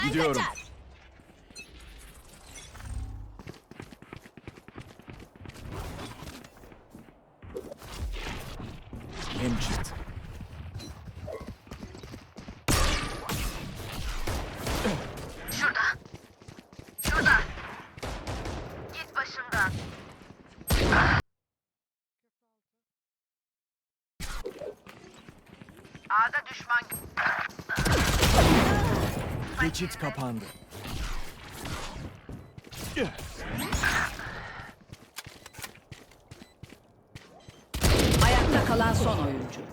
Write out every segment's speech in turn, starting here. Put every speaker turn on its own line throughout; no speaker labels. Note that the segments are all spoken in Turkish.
Gidiyorum. Hem çıktı.
Şurada. Git başımdan. A'da düşman.
Geçit kapandı.
Ayakta kalan son oyuncu.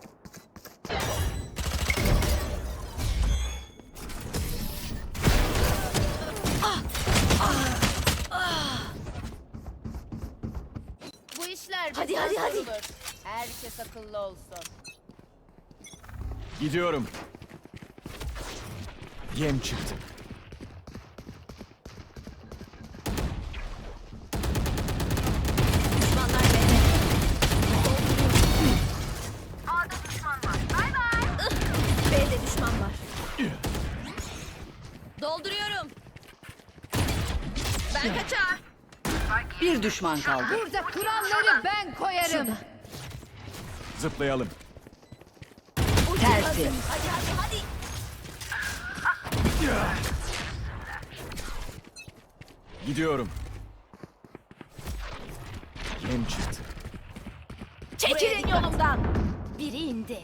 Bu işler
Hadi,
bizden
hadi, hadi.
sorulur. Herkes akıllı olsun.
Gidiyorum. Yem çıktı.
Düşmanlar bende.
A'da düşman var. Bay bay.
B'de düşman var. Dolduruyorum. Ben kaçar.
Bir düşman kaldı.
Burada kuralları ben koyarım.
Zıplayalım.
Tersi.
Hadi hadi hadi.
Gidiyorum. Yem çıktı.
Çekilin yolumdan. Biri indi.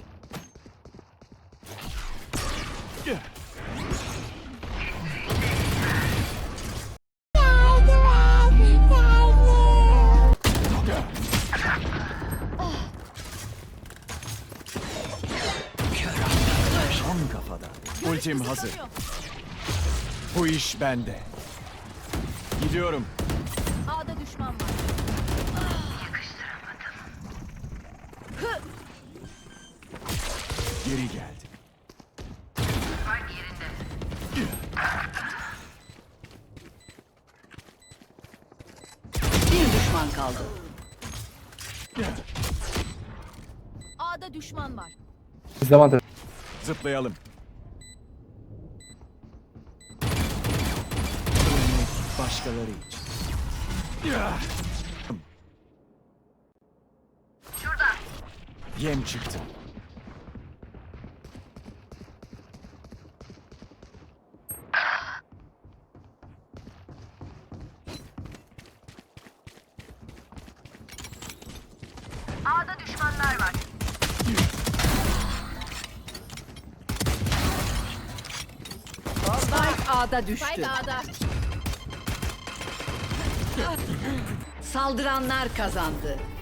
Tam kafada. Ultim hazır. Bu iş bende. Gidiyorum.
A'da düşman var.
Geri geldi.
Bir düşman kaldı.
A'da düşman var.
Zıplayalım. Ölmek başkaları için. Yem çıktı.
A'da düşmanlar var.
Spike A'da düştü.
Spike A'da.
Saldıranlar kazandı.